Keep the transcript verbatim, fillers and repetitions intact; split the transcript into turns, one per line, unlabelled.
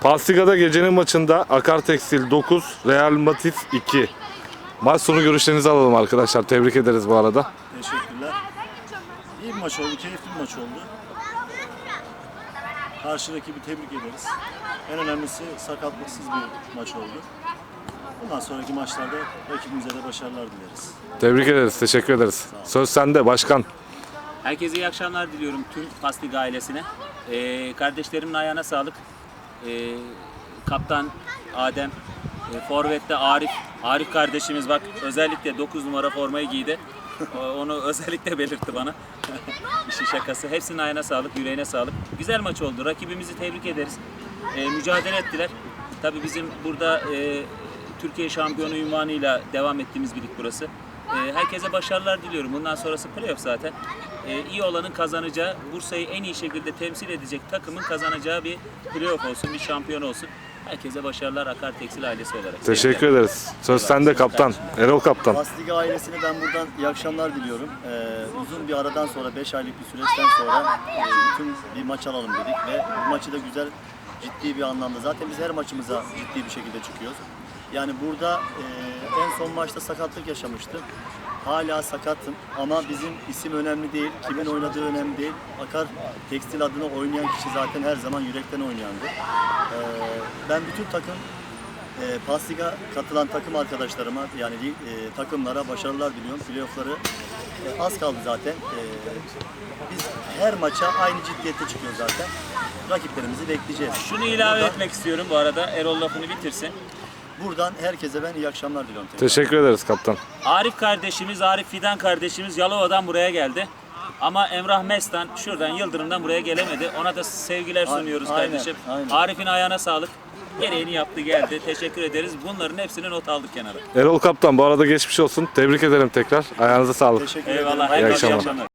Pastiga'da gecenin maçında Akar Tekstil dokuz, Real Madrid iki. Maç sonu görüşlerinizi alalım arkadaşlar. Tebrik ederiz bu arada.
Teşekkürler. İyi bir maç oldu, keyifli bir maç oldu. Karşı rakibi tebrik ederiz. En önemlisi sakatlıksız bir maç oldu. Bundan sonraki maçlarda rakibimize de başarılar dileriz.
Tebrik ederiz, teşekkür ederiz. Söz sende başkan.
Herkese iyi akşamlar diliyorum tüm Pastiga ailesine. Ee, kardeşlerimin ayağına sağlık. Ee, kaptan Adem, e, forvette Arif. Arif kardeşimiz bak özellikle dokuz numara formayı giydi. Onu özellikle belirtti bana. İşin şakası. Hepsinin ayağına sağlık, yüreğine sağlık. Güzel maç oldu. Rakibimizi tebrik ederiz. Ee, mücadele ettiler. Tabii bizim burada e, Türkiye şampiyonu unvanıyla devam ettiğimiz bir lig burası. E, herkese başarılar diliyorum. Bundan sonrası playoff zaten. E, iyi olanın kazanacağı, Bursa'yı en iyi şekilde temsil edecek takımın kazanacağı bir playoff olsun, bir şampiyon olsun. Herkese başarılar Akar Tekstil ailesi olarak.
Teşekkür ederiz. Söz sende kaptan. Erol kaptan.
Pastiga ailesine ben buradan iyi akşamlar diliyorum. Ee, uzun bir aradan sonra, beş aylık bir süreçten sonra e, bütün bir maç alalım dedik ve bu maçı da güzel, ciddi bir anlamda. Zaten biz her maçımıza ciddi bir şekilde çıkıyoruz. Yani burada e, en son maçta sakatlık yaşamıştım. Hala sakatım ama bizim isim önemli değil, kimin oynadığı önemli değil. Akar Tekstil adına oynayan kişi zaten her zaman yürekten oynayandı. Ee, ben bütün takım E, Pastiga katılan takım arkadaşlarıma yani e, takımlara başarılar diliyorum. Playoff'ları e, az kaldı zaten. E, biz her maça aynı ciddiyette çıkıyoruz zaten. Rakiplerimizi bekleyeceğiz.
Şunu ilave
buradan,
etmek istiyorum bu arada. Erol lafını bitirsin.
buradan herkese ben iyi akşamlar diliyorum. Tekrar.
Teşekkür ederiz kaptan.
Arif kardeşimiz, Arif Fidan kardeşimiz Yalova'dan buraya geldi. Ama Emrah Mestan şuradan Yıldırım'dan buraya gelemedi. Ona da sevgiler sunuyoruz
Aynen,
kardeşim.
aynen.
Arif'in ayağına sağlık. Gereğini yaptı geldi. Teşekkür ederiz. Bunların hepsini not aldık kenara.
Erol kaptan bu arada geçmiş olsun. Tebrik ederim tekrar. Ayağınıza sağlık.
Teşekkür
Eyvallah.
ederim.
Herkese iyi
akşamlar.
akşamlar.